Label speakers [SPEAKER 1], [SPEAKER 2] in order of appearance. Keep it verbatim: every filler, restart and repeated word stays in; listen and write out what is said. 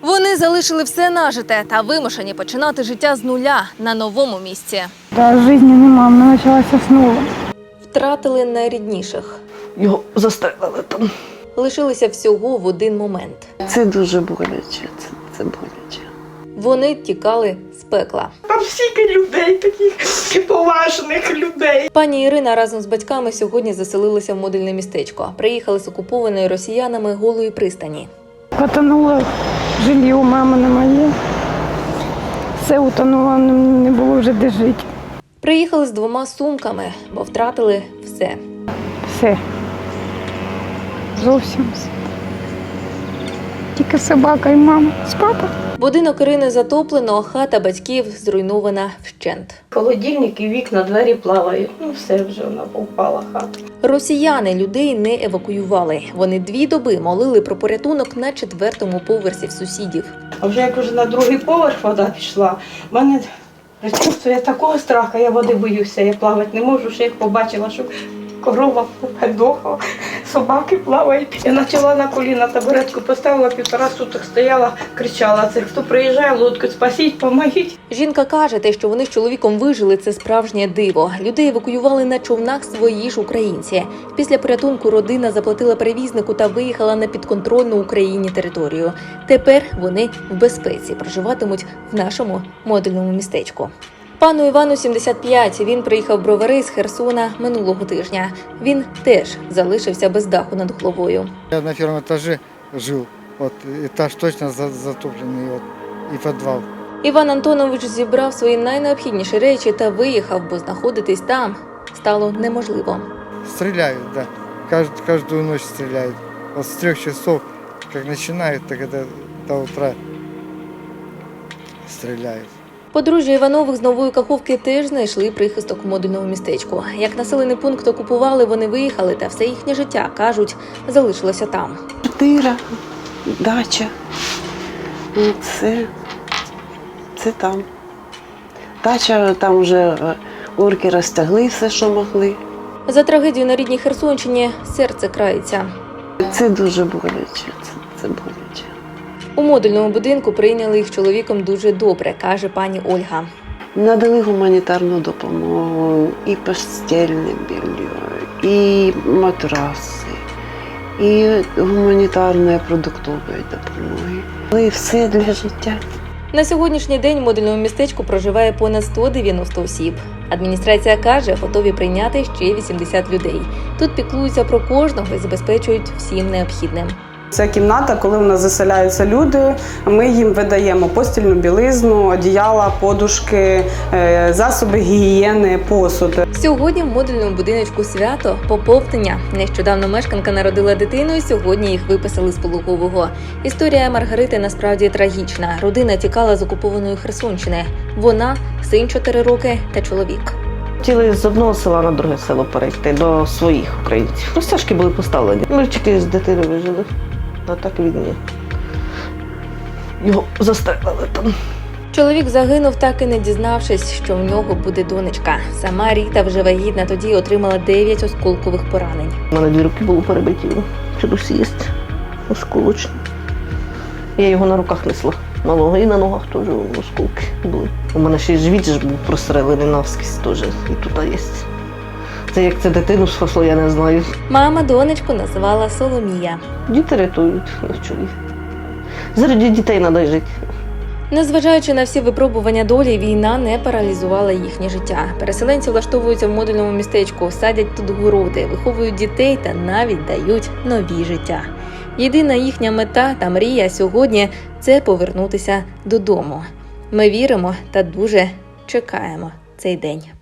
[SPEAKER 1] Вони залишили все нажите та вимушені починати життя з нуля на новому місці.
[SPEAKER 2] Та життя нема, вона почалася знову.
[SPEAKER 1] Втратили найрідніших.
[SPEAKER 3] Його застрелили там.
[SPEAKER 1] Лишилися всього в один момент.
[SPEAKER 3] Це дуже боляче, це, це боляче.
[SPEAKER 1] Вони тікали з пекла.
[SPEAKER 4] Там стільки людей, таких поважних людей.
[SPEAKER 1] Пані Ірина разом з батьками сьогодні заселилися в модульне містечко. Приїхали з окупованої росіянами Голої пристані.
[SPEAKER 2] Потонуло жилье у мами на моє. Все утонуло, не було вже де жити.
[SPEAKER 1] Приїхали з двома сумками, бо втратили все.
[SPEAKER 2] Все. Зовсім все. Тільки собака і мама з папою.
[SPEAKER 1] Будинок Ірини затоплено, хата батьків зруйнована вщент.
[SPEAKER 4] Холодильник і вікна, двері плавають. Ну все вже вона повпала хата.
[SPEAKER 1] Росіяни людей не евакуювали. Вони дві доби молили про порятунок на четвертому поверсі в сусідів.
[SPEAKER 4] А вже як вже на другий поверх вода пішла, в мене присутствує такого страху, я води боюся, я плавати не можу, ще як побачила, що корова подохла, собаки плавають. Я почала на коліна, табуретку поставила, півтора суток стояла, кричала, це хто приїжджає, лодку спасіть, помогіть.
[SPEAKER 1] Жінка каже, те, що вони з чоловіком вижили, це справжнє диво. Людей евакуювали на човнах свої ж українці. Після порятунку родина заплатила перевізнику та виїхала на підконтрольну Україні територію. Тепер вони в безпеці, проживатимуть в нашому модульному містечку. Пану Івану сімдесят п'ять, він приїхав в Бровари з Херсона минулого тижня. Він теж залишився без даху над головою.
[SPEAKER 5] Я на першому етажі жив, от, етаж точно затоплений, от, і підвал.
[SPEAKER 1] Іван Антонович зібрав свої найнеобхідніші речі та виїхав, бо знаходитись там стало неможливо.
[SPEAKER 5] Стріляють, да. Кажд, кожну ніч стріляють. От з трьох часов, як починають, так це до утра стріляють.
[SPEAKER 1] Подружжя Іванових з Нової Каховки теж знайшли прихисток у модульному містечку. Як населений пункт окупували, вони виїхали, та все їхнє життя, кажуть, залишилося там.
[SPEAKER 3] Квартира, дача. Це, це там. Дача, там вже орки розтягли все, що могли.
[SPEAKER 1] За трагедію на рідній Херсонщині серце крається.
[SPEAKER 3] Це дуже боляче, це, це боляче.
[SPEAKER 1] У модульному будинку прийняли їх чоловіком дуже добре, каже пані Ольга.
[SPEAKER 3] Надали гуманітарну допомогу, і постільне белье, і матраси, і гуманітарної продуктової допомоги. І все для життя.
[SPEAKER 1] На сьогоднішній день в модульному містечку проживає понад сто дев'яносто осіб. Адміністрація каже, готові прийняти ще вісімдесят людей. Тут піклуються про кожного і забезпечують всім необхідним.
[SPEAKER 6] Ця кімната, коли в нас заселяються люди, ми їм видаємо постільну білизну, одіяла, подушки, засоби гігієни, посуд.
[SPEAKER 1] Сьогодні в модульному будиночку свято – поповнення. Нещодавно мешканка народила дитину і сьогодні їх виписали з пологового. Історія Маргарити насправді трагічна. Родина тікала з окупованої Херсонщини. Вона, син чотири роки та чоловік.
[SPEAKER 3] Хотіли з одного села на друге село перейти до своїх українців. Розтяжки були поставлені. Ми тільки з дитини вижили. А так він ні. Його застрелили там.
[SPEAKER 1] Чоловік загинув, так і не дізнавшись, що в нього буде донечка. Сама Ріта вже вагітна тоді отримала дев'ять осколкових поранень.
[SPEAKER 3] У мене дві руки були перебиті. Чогось є осколочні. Я його на руках несла. Малого і на ногах теж осколки були. У мене ще й живіт ж був прострелений навскізь теж. І тут є. Це як це дитину спасло, я не знаю.
[SPEAKER 1] Мама донечку називала Соломія.
[SPEAKER 3] Діти рятують, чоловік. Заради дітей треба жити.
[SPEAKER 1] Незважаючи на всі випробування долі, війна не паралізувала їхнє життя. Переселенці влаштовуються в модульному містечку, садять тут городи, виховують дітей та навіть дають нові життя. Єдина їхня мета та мрія сьогодні – це повернутися додому. Ми віримо та дуже чекаємо цей день.